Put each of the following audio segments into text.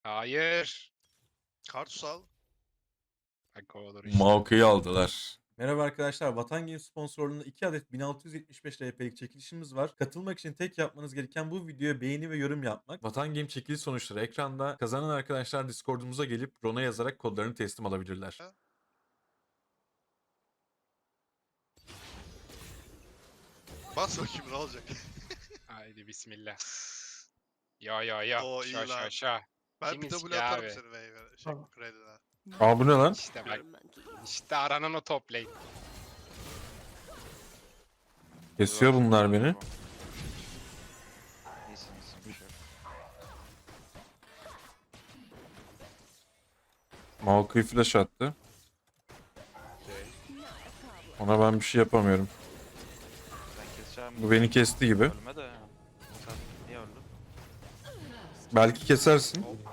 Hayır. Kartus al. Bak olur işte. Maokai aldılar. Merhaba arkadaşlar. Vatan Games sponsorluğunda 2 adet 1675 RP'lik çekilişimiz var. Katılmak için tek yapmanız gereken bu videoya beğeni ve yorum yapmak. Vatan Game çekiliş sonuçları ekranda. Kazanan arkadaşlar Discord'umuza gelip Ron'a yazarak kodlarını teslim alabilirler. Bas bakayım ne olacak. Haydi bismillah. Ya. Oo, iyi Şa lan. şa şa. Ben Kim bir iski W atarım abi? seni Wave'e. Şey, Red'ine. Aa bu ne lan? İşte bak. İşte aranan o top lane. Kesiyor bunlar beni. İyisin bir şey yok. Maokai flash attı. Okey. Ona ben bir şey yapamıyorum. Ben keseceğim. Bu beni kesti gibi. Ölme de. Sen niye öldün? Belki kesersin. Ne oldu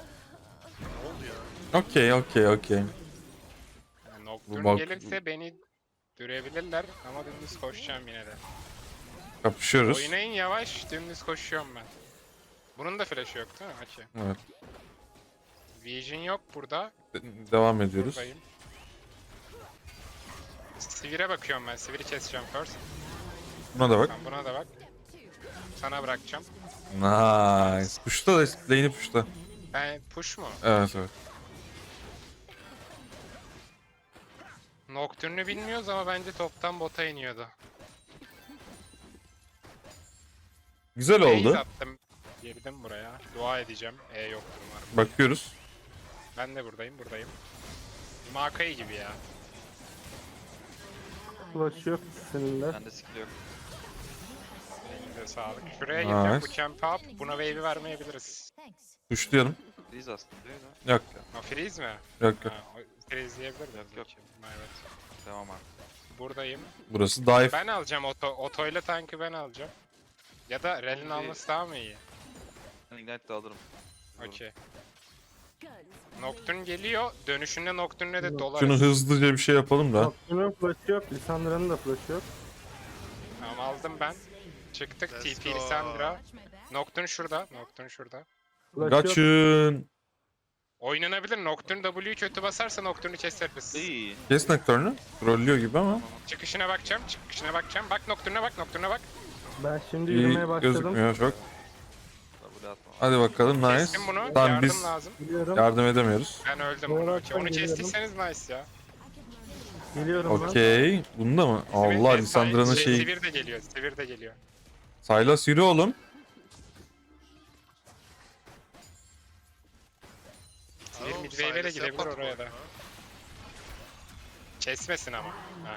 ya? Okey. Yani Bu Nocturne bak- gelirse beni dürebilirler ama dümdüz koşacağım yine de. Kapışıyoruz. Oynayın yavaş, dümdüz koşuyorum ben. Bunun da flash'ı yok değil mi? Okey. Evet. Vision yok burada. Devam ediyoruz. Buradayım. Sivir'e bakıyorum ben. Sivir'i keseceğim first. Buna da bak. Sen buna da bak. Sana bırakacağım. Nice. Puşta da lane'i puşta. Ben push mu? Evet. Nocturne'ü bilmiyoruz ama bence toptan bota iniyordu. Güzel Base oldu. attım. Girdim buraya. Dua edeceğim. Yoktur umarım. Bakıyoruz. Ben de buradayım. Makai gibi ya. Flash yok senin de. Bende skill yok. Elinize sağlık. Şuraya gireceğim. Nice. Bu camp up. Buna wave'i vermeyebiliriz. Puşlayalım. Freeze aslında değil mi? Yok. Ha freeze mi? Yok. Ha, freeze diyebilir miyiz? Yok. Evet. Devam abi. Buradayım. Burası dive. Ben alacağım otoyla tankı ben alacağım. Ya da Rel'in alması daha mı iyi? Ben ignite de alırım. Okey. Nocturne geliyor. Dönüşünde Nocturne'e de dolar. Şunu hızlıca bir şey yapalım da. Nocturne'un flash'ı yok. Lissandra'nın da flash'ı yok. Tamam aldım ben. Çıktık. Let's TP go. Lissandra. Nocturne şurada. Flash yok. Kaçın. Oynanabilir. Nocturne W'yu kötü basarsa Nocturne'u keseriz. İyi. Kes Nocturne'u. Trollüyor gibi ama. Çıkışına bakacağım. Bak Nocturne'a bak. Ben şimdi İyi yürümeye başladım. gözükmüyor çok. W atma. Hadi bakalım nice. Kestim bunu. Tamam Yardım biz lazım. Geliyorum. yardım edemiyoruz. Ben öldüm. Doğru Okey. açıdan Onu geliyorum. kestiyseniz nice ya. Geliyorum ben. Okey. Bunda mı? Allah Lissandra'nın şeyi. Sivir de geliyor. Sylas yürü oğlum. Sivir Tamam, midwave'e de Silas gidebilir yapmadı oraya da. bu arada. Kesmesin ama. Ha.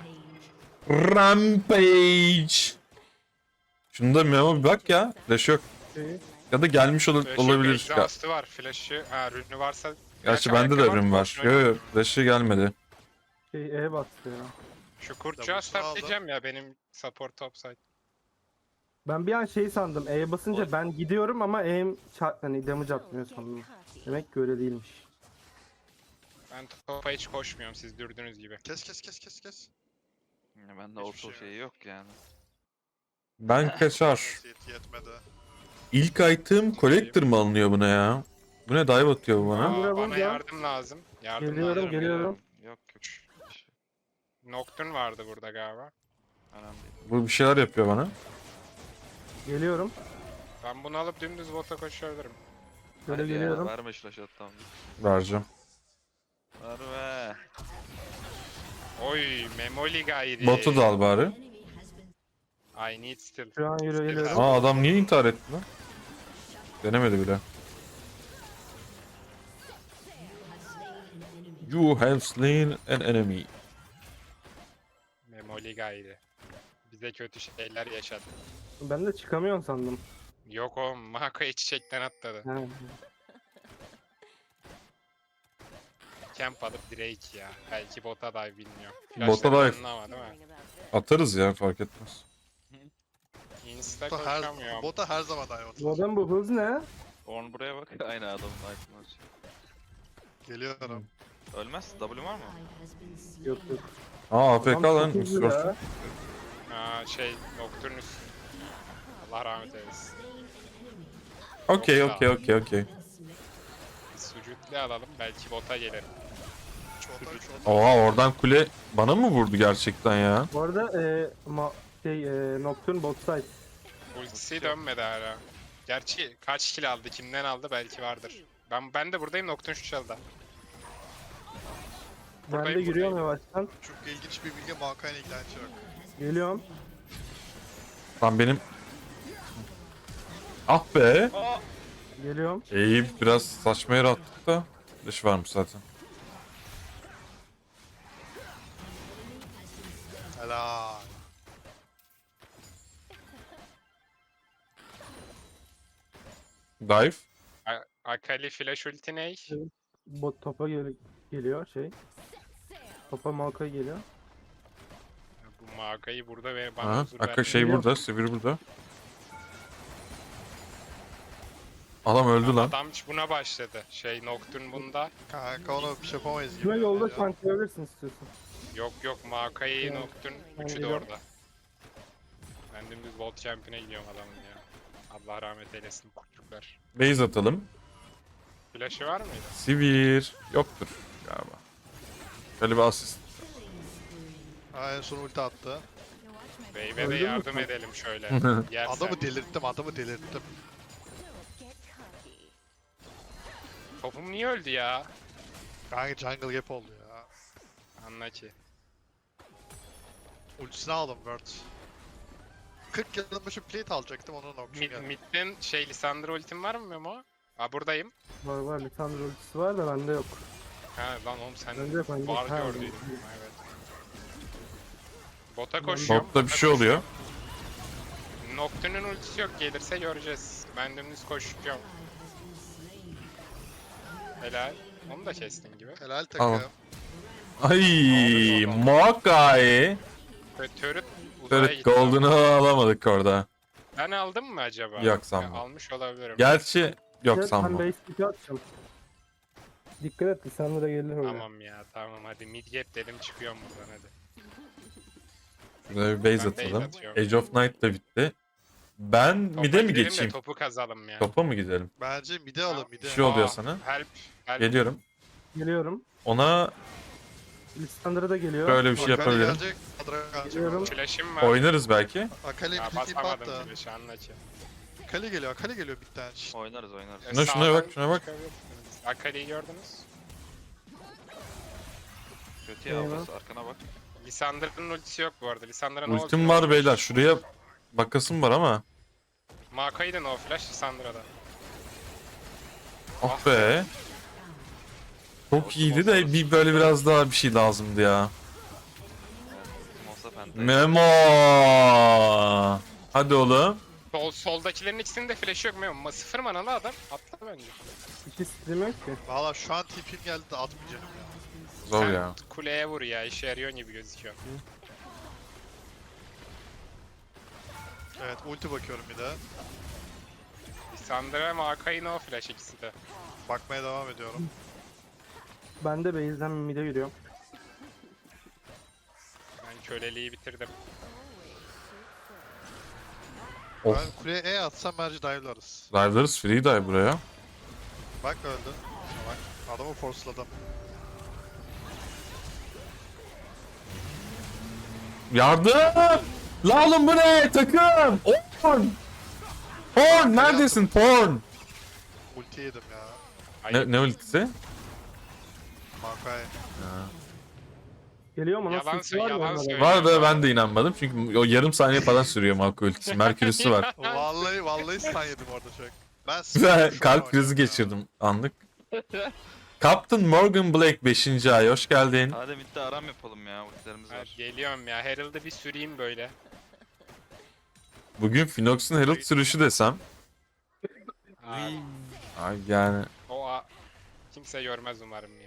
Rampage. Şunda Memo bir bak ya. Flash yok. Şeyi. Ya da gelmiş Flash'ı olabilir. yok, exhaust'u var. Flash'ı. Ha rünü varsa. Gerçi bende de ayakkabı ürün var. boşuna Yok. Flash'ı gelmedi. E bastı ya. Şu kurtçuğa W'sunu aldım. startlayacağım ya benim support topside. Ben bir an şey sandım. E'ye basınca ben gidiyorum ama E'm hani damage atmıyor sandım. Demek ki öyle değilmiş. Ben topa hiç koşmuyorum siz dürdüğünüz gibi. Kes. Ya bende Hiçbir auto şey şeyi yok yani. Ben kaçar. Neyse, yetmedi. İlk item collector mı alınıyor buna ya? Bu ne dive atıyor bu bana? Aa. Buraya Bana vuracağım. yardım lazım. Geliyorum. Yok. Nocturne vardı burada galiba. Önemli değil. Bu bir şeyler yapıyor bana. Geliyorum. Ben bunu alıp dümdüz bota koşabilirim. Böyle Hadi ya, geliyorum. verme şu flash tamam. Vereceğim. Verme. Oy Memoli gayri. Botu da al bari. I need still. Şu an geliyorum. Aa adam niye intihar etti lan? Denemedi bile. You have slain an enemy. Memoli gayri. Bize kötü şeyler yaşadı. Ben de çıkamıyorum sandım. Yok o Mako'ya çiçekten atladı. He. Camp alıp Drake ya. Belki bota dive bilmiyorum. Bota Flashları dive. önüne ama değil mi? Atarız ya fark etmez. Insta Bota her, koşamıyorum. bota her zaman dive Bu atar. adam bu hız ne? Orn buraya bak. Aynı adamın item'ı açıyor. Geliyorum. Ölmez. W var mı? Yok. Aa AFK Adam lan. çok hızlı Discord. ya. Ha şey Nocturnus. Allah rahmet eylesin. Okey. Sucutlu alalım belki bota gelirim. Çota. Oha oradan kule bana mı vurdu gerçekten ya? Bu arada Nocturne bot side. Ultisi dönmedi hala. Gerçi kaç kill aldı, kimden aldı belki vardır. Ben de buradayım, Nocturne şu çalda. Ben de Buradayım, yürüyorum buradayım. yavaştan. Çok ilginç bir bilgi Mankay'la ilgilenecek. Geliyorum. Lan benim... Ah be! Geliyorum. Eyüp biraz saçma yere attık da. Dış varmış zaten. Helal. Dive. Akali flash ulti ney? Bot topa geliyor şey. Topa Maokai geliyor. Bu Maga'yı burada ve bana Aha, huzur Akka vermiyor. şey burada, Sivir burada. Adam öldü lan. Adam buna başladı. Nocturne bunda. Kanka onu bir şey yapamayız gibi. Kime yolda ya. tanklayabilirsin istiyorsan. Yok Makai, Yani, Nocturne ben üçü de geliyorum. orada. Ben dümdüz World Champion'a gidiyorum adamın ya. Allah rahmet eylesin çocuklar. Base atalım. Flash'ı var mıydı? Sivir. Yoktur galiba. Şöyle bir asist. Ha, en son ulti attı. Wave'e de Öldü mü yardım sen? edelim şöyle. Yersen. Adamı delirttim. Topum niye öldü ya? Kanka jungle gap oldu ya. Anla ki. Ultisini aldım Word. 40 yılın başı plate alacaktım onun Nocturne geldi. Mid'den Lissandra ultim var mı Memo? Aa buradayım. Var Lisandro ultisi var da bende yok. Ha lan oğlum sen Bende yok bende. var Ha, gördüydün. Evet. Bota koşuyorum. Botta bir şey oluyor. Nocturne'un ultisi yok, gelirse göreceğiz. Ben dümdüz koşuyorum. Helal. Onu da kestin gibi. Helal Tamam. takım. Ay, Maokai. Ve turret uzaya Turret gitti. Golden'ı alamadık orada. Ben aldım mı acaba? Yok, sanmam. Ya, almış olabilirim. Gerçi yok Ben sanmam. base pick'i atacağım. Dikkat et Lisandro gelir oraya. Tamam ya tamam hadi mid gap dedim çıkıyorum buradan hadi. Şurada bir base Ben base atalım. atıyorum. Age of Night da bitti. Ben Topa mid'e mi gidelim de geçeyim? Topu kazalım ya. Topa mı gidelim? Bence mide alın Bir mide. şey oluyor Aa, sana. Help. Geliyorum. Geliyorum. Ona Lisandro da geliyor. böyle bir şey Akali yapabilirim. gelecek. Adra gelecek. Geliyorum. Flash'im var. Oynarız belki. Akali Ya bir tip basamadım attı. flash'ı anla ki. Akali geliyor bir tane. Şşt. Oynarız. Şuna Sağdan bak, şuna bak. çıkabilirsiniz. Akali'yi gördünüz. Kötü ya Eyvah. burası. Arkana bak. Lisandra'nın ultisi yok bu arada. Lisandra ne Ultim var beyler. Şuraya bakasım var ama. Makai de no flash Lisandra'da. Ah be. Çok iyiydi de bir böyle biraz daha bir şey lazımdı ya. Monsa Penta. Memo. Hadi oğlum. Soldakilerin ikisinin de flash'ı yok mu? Sıfır manalı adam. Atla bence. İki stream yok ki. Valla şu an tipim geldi de atmayacağım ya. Zor Sen ya. kuleye vur ya. İşe yarıyor gibi gözüküyor. Evet ulti bakıyorum bir de. Lisandra ve Makai no flash ikisi de. Bakmaya devam ediyorum. Ben de base'den mid'e yürüyorum. Ben köleliği bitirdim. Of. Ben kuleye E atsam bence dive'larız. Dive'larız free dive buraya. Bak öldü. Bak adamı forceladım. Yardım! La oğlum bu ne? Takım! Porn! Porn! Neredesin porn? Ulti yedim ya. Hayır. Ne ultisi? Mankay. Geliyor mu? Yalan Nasıl ulti var mı yalan orada? söyle. Var da ben de inanmadım çünkü o yarım saniye falan sürüyor Malko ultisi. Merkürüsü var. Vallahi stun yedim orada çok. Ben Güzel şu an kalp krizi oynuyorum ya. geçirdim anlık. Captain Morgan Blake 5. ay hoş geldin. Hadi midde aram yapalım ya. Ultilerimiz Ha, var. geliyorum ya. Herald'ı bir süreyim böyle. Bugün Finox'un Herald sürüşü desem. Ay, Ay yani kimse görmez umarım ya.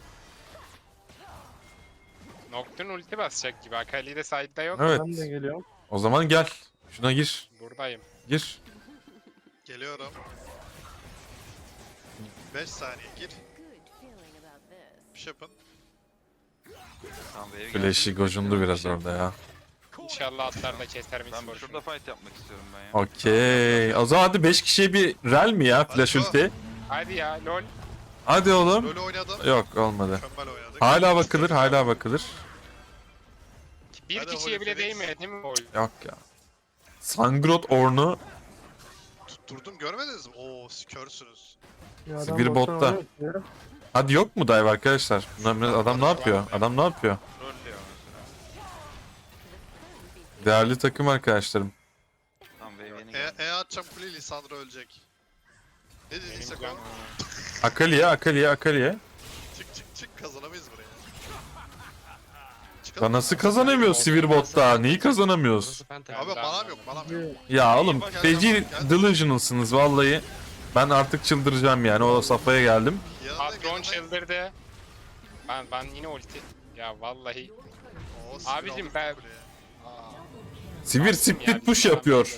Nocturne ulti basacak gibi. Akali de side'da yok. evet. Ben de geliyorum. O zaman gel. Şuna gir. Buradayım. Gir. Geliyorum. 5 saniye gir. Bir şey yapın. Tamam wave Flash'i gelsin. gocundu biraz orada ya. İnşallah atlar da keser mi Ben şurada fight yapmak istiyorum ben ya. Okey. O zaman hadi 5 kişiye bir rel mi ya flash Hadi go. ulti? Hadi ya lol. Hadi oğlum. Böyle oynadım. Yok olmadı. Mükemmel oynadık. Hala bakılır, hala bakılır. Bir Hadi kişiye bile Holy Phoenix. değmedi değil mi gol? Yok ya. Sangrot Orn'u Tutturdum görmediniz mi? Oo siz körsünüz. Ya adam Sivir bottan botta. oynuyor. Hadi yok mu dive arkadaşlar? Adam ne yapıyor? Adam ne yapıyor? Trollüyor mesela. Değerli takım arkadaşlarım. Tamam wave yeni geldi. E atacağım kuleyi Lisandro ölecek. Ne Benim dediysek can- o. Akali'ye. Çık kazanamayız buraya. Çıkalım. Ya nasıl kazanamıyor Sivir botta? Neyi kazanamıyoruz? Abi manam yok manam yok. Ya oğlum feci delusionalsınız vallahi. Ben artık çıldıracağım yani o safhaya geldim. Patron çıldırdı. Ben yine ulti. Ya vallahi. Abicim ben- Sivir Yani split push yapıyor.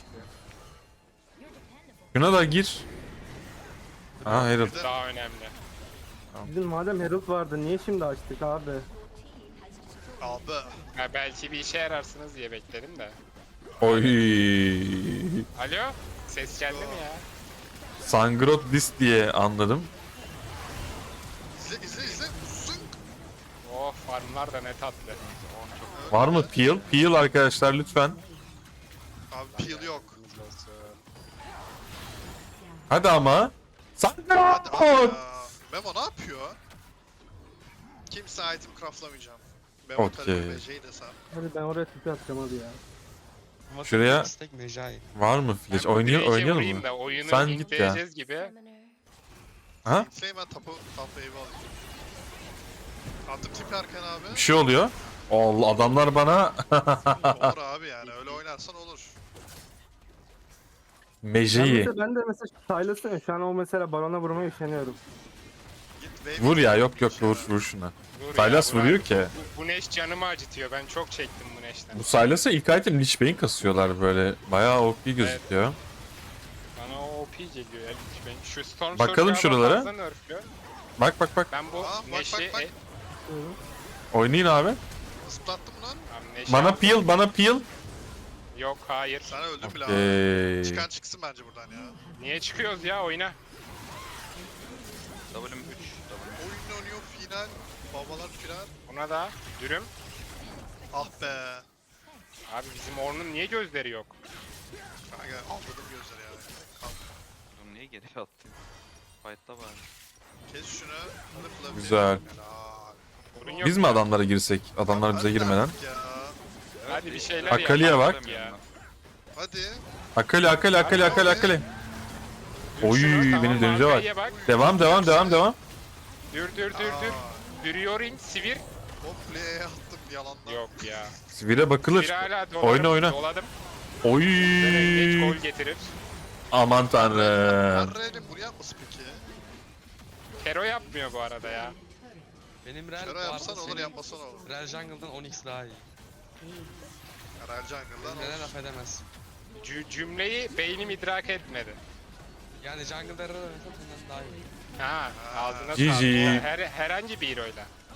Şuna da gir. Ha Herald. Daha önemli. Bizim madem Herald vardı niye şimdi açtık abi? Abi. Ya belki bir işe yararsınız diye bekledim de. Oy. Alo? Ses geldi mi ya? Sangrot dis diye anladım. İzle. Zınk. Oh farmlar da ne tatlı. Var mı peel? Peel arkadaşlar lütfen. Abi peel yok. Hadi ama. Hadi abi Sangrot. ya. Memo ne yapıyor? Kimse item craftlamayacağım. Memo Okey. tabii BJ'yi desem. Hadi ben oraya tipi atacağım hadi ya. Şuraya var mı flash? Oynayalım vurayım mı? da oyunu Sen git ya. intleyeceğiz gibi. Ha? Şey ben top wave'i alayım. Attım tipi arkana abi. Bir şey oluyor. Allah adamlar bana Olur abi yani öyle oynarsan olur. Mejeyi. Ben de mesela Silas'ın şu an o mesela barona vurmaya üşeniyorum. Git wave. Vur ya yok vur şuna. Dur Sylas ya, vuruyor ki. Bu Neş canımı acıtıyor. Ben çok çektim bu Neş'ten. Bu Sylas'a ilk item Lich Bane kasıyorlar böyle. Bayağı OP gözüküyor. Bana o OP geliyor ya lütfen. Şu Storm Bakalım Surge'ü şuralara. fazla nerflüyor. Bak. Ben bu Aa, bak, Neş'i... bak. Oynayın abi. Zıplattım lan. Neş'i Bana aldım. peel, peel. Yok hayır. Sana öldüm bile abi. Okey. Çıkan çıksın bence buradan ya. Niye çıkıyoruz ya oyuna? W'm 3. Oyun oynuyor final. Babalar firar. Buna da dürüm. Ah be. Abi bizim Ornn'un niye gözleri yok? Kanka aldırdım gözleri ya. Kalk. Oğlum niye geriye attın? Fight'ta bari. Kes şunu. Lıfla bir. Güzel. Helal. Sorun yok. Biz mi adamlara girsek? Adamlar bize Hadi girmeden. artık ya. Hadi bir şeyler Akali'ye yapalım bak. ya. Hadi. Akali. Dur Oy, şunu, tamam, benim dönünce bak. Akali'ye bak. Devam. Dur. Dürüyorin sivir. Hop play'e attım yalandan. Yok ya. Sivire bakılır. Sivir hala dolarım. Oyna. Doladım. Oy. Geç gol getirir. Aman tanrım. Array'nin buraya mısın peki? Kero yapmıyor bu arada ya. Benim Rel Şöyle bu arada yapsan olur senin yapmasan olur. Rel Jungle'dan Onyx daha iyi. Rel Jungle'dan Neden olur. laf edemez. Cümleyi beynim idrak etmedi. Yani Jungle'da Rel oynasa bundan daha iyi. Ha, ağzına GG. sağlık. Herhangi bir hero'yla.